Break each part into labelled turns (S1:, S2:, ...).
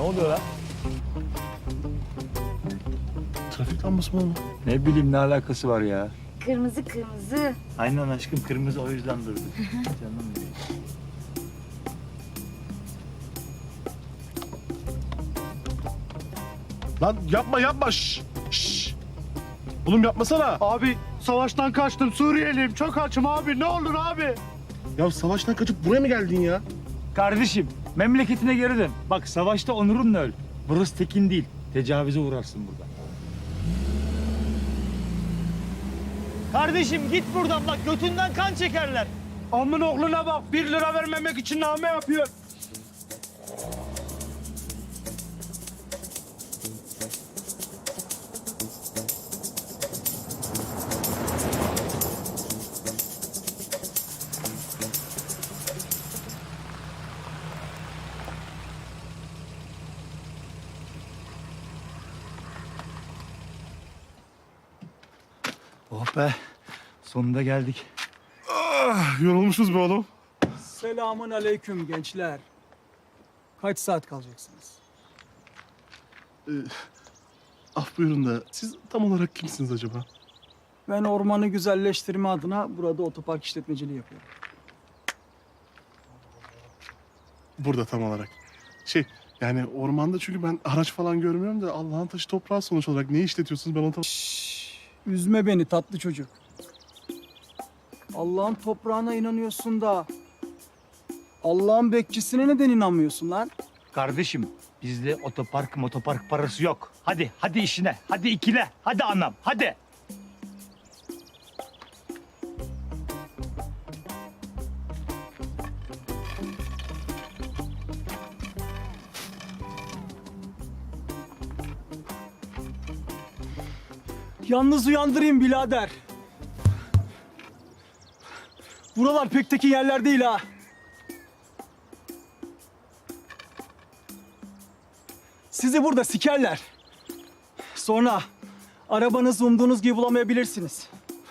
S1: oluyor lan?
S2: Trafik lambası mı oğlum?
S1: Ne bileyim ne alakası var ya?
S3: Kırmızı kırmızı.
S1: Aynen aşkım kırmızı o yüzden durdu. Canım benim.
S2: Lan yapma yapma. Şşş. Şşş. Oğlum yapmasana.
S4: Abi savaştan kaçtım, Suriyeliyim, çok açım abi, ne olur abi.
S2: Ya savaştan kaçıp buraya mı geldin ya?
S1: Kardeşim memleketine geri dön. Bak savaşta onurunla öl. Burası tekin değil. Tecavüze uğrarsın burada. Kardeşim git buradan bak götünden kan çekerler.
S4: Amın oğluna bak, 1 lira vermemek için name yapıyor.
S1: Oh be sonunda geldik.
S2: Yorulmuşuz be oğlum.
S5: Selamun aleyküm gençler. Kaç saat kalacaksınız?
S2: Af buyurun da siz tam olarak kimsiniz acaba?
S5: Ben ormanı güzelleştirme adına burada otopark işletmeciliği yapıyorum.
S2: Burada tam olarak. Yani ormanda çünkü ben araç falan görmüyorum da Allah'ın taşı toprağı sonuç olarak ne işletiyorsunuz ben onu tam...
S5: Üzme beni tatlı çocuk. Allah'ın toprağına inanıyorsun da Allah'ın bekçisine neden inanmıyorsun lan?
S1: Kardeşim bizde motopark parası yok. Hadi işine. Hadi ikile. Hadi anam hadi.
S5: Yalnız uyandırayım birader. Buralar pek tekin yerler değil ha. Sizi burada sikerler. Sonra arabanızı umduğunuz gibi bulamayabilirsiniz.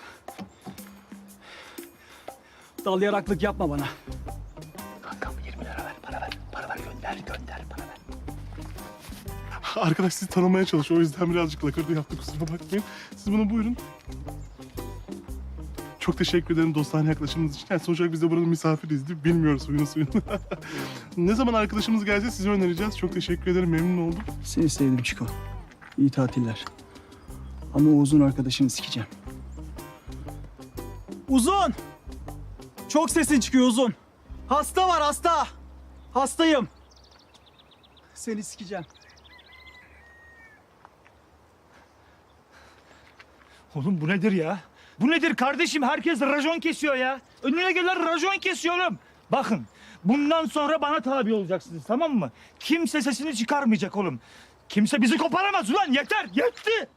S5: Dal yaraklık yapma bana.
S1: Kankam 20 lira ver. Para ver gönder para ver.
S2: Arkadaş sizi tanımaya çalışıyor o yüzden birazcık lakırdı yaptı kusura bakmayın. Siz bunu buyurun. Çok teşekkür ederim dostane yaklaşımınız için. Yani sonuç olarak biz de buranın misafiriyiz değil mi? Bilmiyoruz suyunu. Ne zaman arkadaşımız gelse sizi önereceğiz. Çok teşekkür ederim memnun oldum.
S5: Seni sevdim Çiko. İyi tatiller. Ama Uzun arkadaşını sikeceğim. Uzun! Çok sesin çıkıyor Uzun. Hasta var hasta. Hastayım. Seni sikeceğim.
S1: Oğlum bu nedir ya? Bu nedir kardeşim? Herkes racon kesiyor ya. Önüne gelen racon kesiyor oğlum. Bakın bundan sonra bana tabi olacaksınız tamam mı? Kimse sesini çıkarmayacak oğlum. Kimse bizi koparamaz ulan yeter yetti.